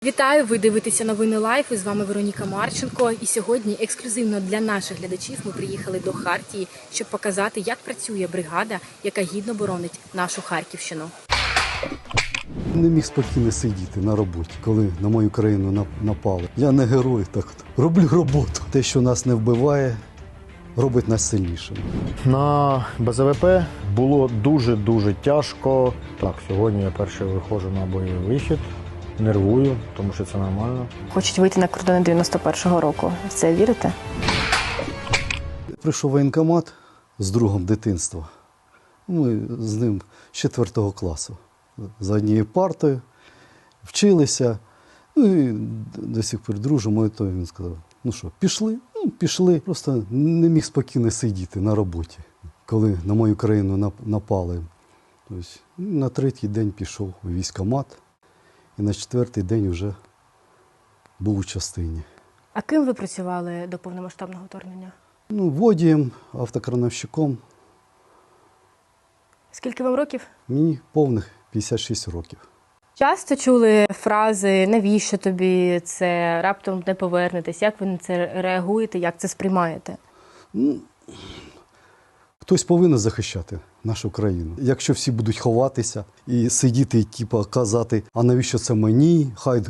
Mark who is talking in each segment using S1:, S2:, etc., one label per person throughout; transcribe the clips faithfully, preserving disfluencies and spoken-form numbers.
S1: Вітаю! Ви дивитеся новини Лайф. І з вами Вероніка Марченко. І сьогодні ексклюзивно для наших глядачів ми приїхали до Хартії, щоб показати, як працює бригада, яка гідно боронить нашу Харківщину.
S2: Не міг спокійно сидіти на роботі, коли на мою країну напали. Я не герой, так от роблю роботу. Те, що нас не вбиває, робить нас сильнішими.
S3: На Б З В П було дуже-дуже тяжко. Так, сьогодні я перший виходжу на бойовий вихід. Нервую, тому що це нормально.
S1: Хочуть вийти на кордони дев'яносто першого року. В це вірите?
S2: Прийшов воєнкомат з другом дитинства. Ми з ним з четвертого класу. За однією партою вчилися. Ну і до сих пір дружимо. І то він сказав, ну що, пішли? Ну, пішли. Просто не міг спокійно сидіти на роботі, коли на мою країну напали. Тобто, на третій день пішов у військкомат. І на четвертий день вже був у частині.
S1: А ким ви працювали до повномасштабного вторгнення?
S2: Ну, водієм, автокрановщиком.
S1: Скільки вам років?
S2: Мені повних п'ятдесят шість років.
S1: Часто чули фрази «навіщо тобі це?», «раптом не повернетесь». Як ви на це реагуєте, як це сприймаєте?
S2: Ну, хтось повинен захищати нашу країну. Якщо всі будуть ховатися і сидіти, і типу, казати, а навіщо це мені, хай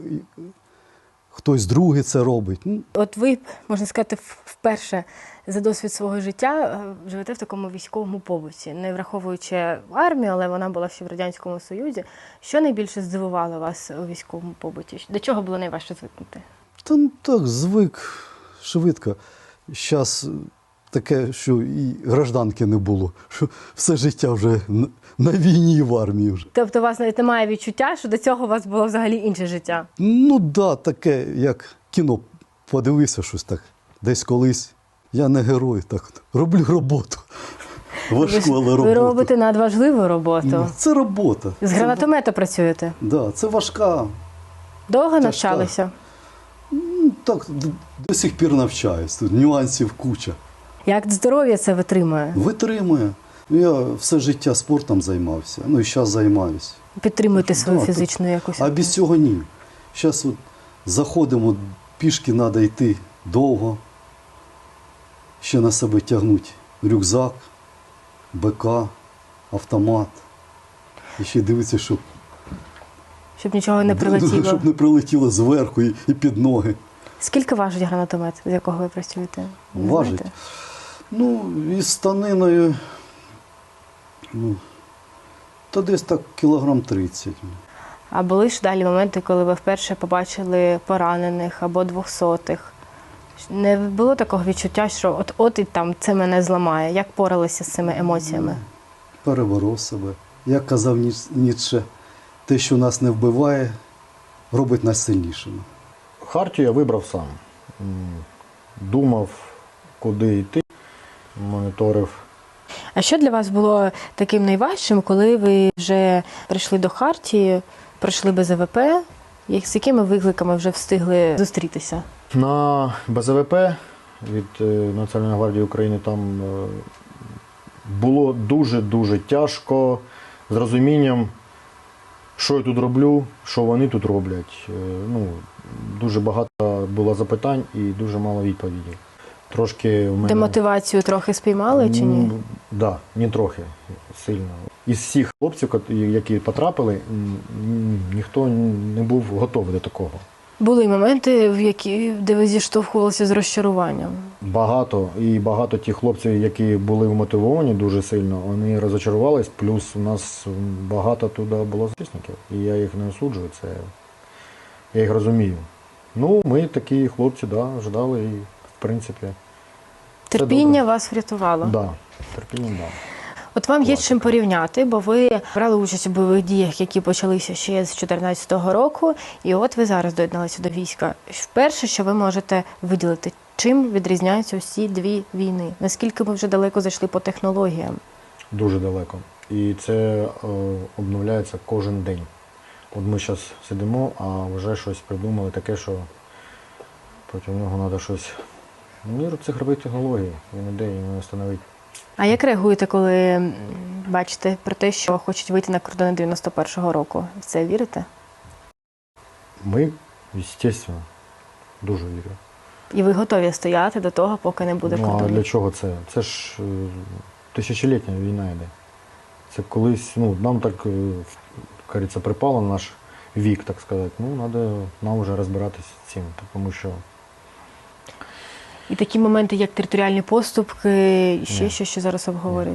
S2: хтось другий це робить. Ну.
S1: От ви, можна сказати, вперше за досвід свого життя живете в такому військовому побуті, не враховуючи армію, але вона була ще в Радянському Союзі. Що найбільше здивувало вас у військовому побуті? До чого було найважче звикнути?
S2: Та ну, так, звик швидко. Зараз таке, що і гражданки не було, що все життя вже на війні і в армії вже.
S1: Тобто у вас навіть немає відчуття, що до цього у вас було взагалі інше життя?
S2: Ну так, да, таке, як кіно подивився щось так, десь колись. Я не герой, так от роблю роботу. Важку, але роботу.
S1: Ви робите надважливу роботу.
S2: Ну, це робота.
S1: З гранатомета працюєте?
S2: Так, да, це важка.
S1: Довго
S2: тяжка.
S1: навчалися?
S2: Ну, так, до, до сих пір навчаюсь. Тут нюансів куча.
S1: Як здоров'я це витримує?
S2: Витримує. Я все життя спортом займався, ну і зараз займаюся.
S1: Підтримуєте свою
S2: да,
S1: фізичну
S2: так.
S1: якусь?
S2: А без цього ні. Зараз от заходимо, пішки треба йти довго. Ще на себе тягнуть рюкзак, Б К, автомат. І ще дивитися, щоб,
S1: Щоб нічого не прилетіло?
S2: Щоб не прилетіло зверху і, і під ноги.
S1: Скільки важить гранатомет, з якого ви працюєте? Не
S2: важить?
S1: знаєте?
S2: Ну, із станиною, ну, то десь так кілограм тридцять.
S1: А були ж далі моменти, коли ви вперше побачили поранених або двохсотих? Не було такого відчуття, що от-от і там це мене зламає? Як поралися з цими емоціями?
S2: Переборов себе. Як казав Ніцше, те, що нас не вбиває, робить нас сильнішими.
S3: Хартію я вибрав сам. Думав, куди йти, моніторив.
S1: А що для вас було таким найважчим, коли ви вже прийшли до Хартії, пройшли Б З В П? З якими викликами вже встигли зустрітися?
S3: На Б З В П від Національної гвардії України там було дуже-дуже тяжко з розумінням, що я тут роблю, що вони тут роблять. Ну, дуже багато було запитань і дуже мало відповідей. Трошки в мене...
S1: Демотивацію трохи спіймали чи ні?
S3: Так, да, не трохи, сильно. Із всіх хлопців, які потрапили, ніхто не був готовий до такого.
S1: Були моменти, в які, де ви зіштовхувалися з розчаруванням?
S3: Багато. І багато тих хлопців, які були вмотивовані дуже сильно, вони розочарувались. Плюс у нас багато туди було захисників. І я їх не осуджую, це я їх розумію. Ну, ми такі хлопці, да, ждали і, в принципі,
S1: терпіння вас врятувало?
S3: Так, да, терпіння, так. Да.
S1: От вам є чим порівняти, бо ви брали участь у бойових діях, які почалися ще з дві тисячі чотирнадцятого року, і от ви зараз доєдналися до війська. Вперше, що ви можете виділити, чим відрізняються усі дві війни? Наскільки ми вже далеко зайшли по технологіям? Дуже
S3: далеко. І це е, обновляється кожен день. От ми зараз сидимо, а вже щось придумали таке, що проти нього треба щось... Мір цифрових технологій, він іде, і не встановить.
S1: А як реагуєте, коли бачите про те, що хочуть вийти на кордони дев'яносто першого року? В це вірите?
S3: Ми, звісно, дуже вірю.
S1: І ви готові стояти до того, поки не буде
S3: Ну, а
S1: кордонів?
S3: для чого це? Це ж е, тисячолітня війна йде. Це колись, ну, нам так, е, кажеться, припало на наш вік, так сказати. Ну, треба нам вже розбиратися з цим, тому що
S1: І такі моменти, як територіальні поступки, і ще
S3: Ні.
S1: що, що зараз обговорюють.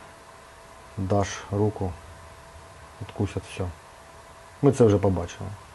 S3: даш руку, відкусять все. Ми це вже побачили.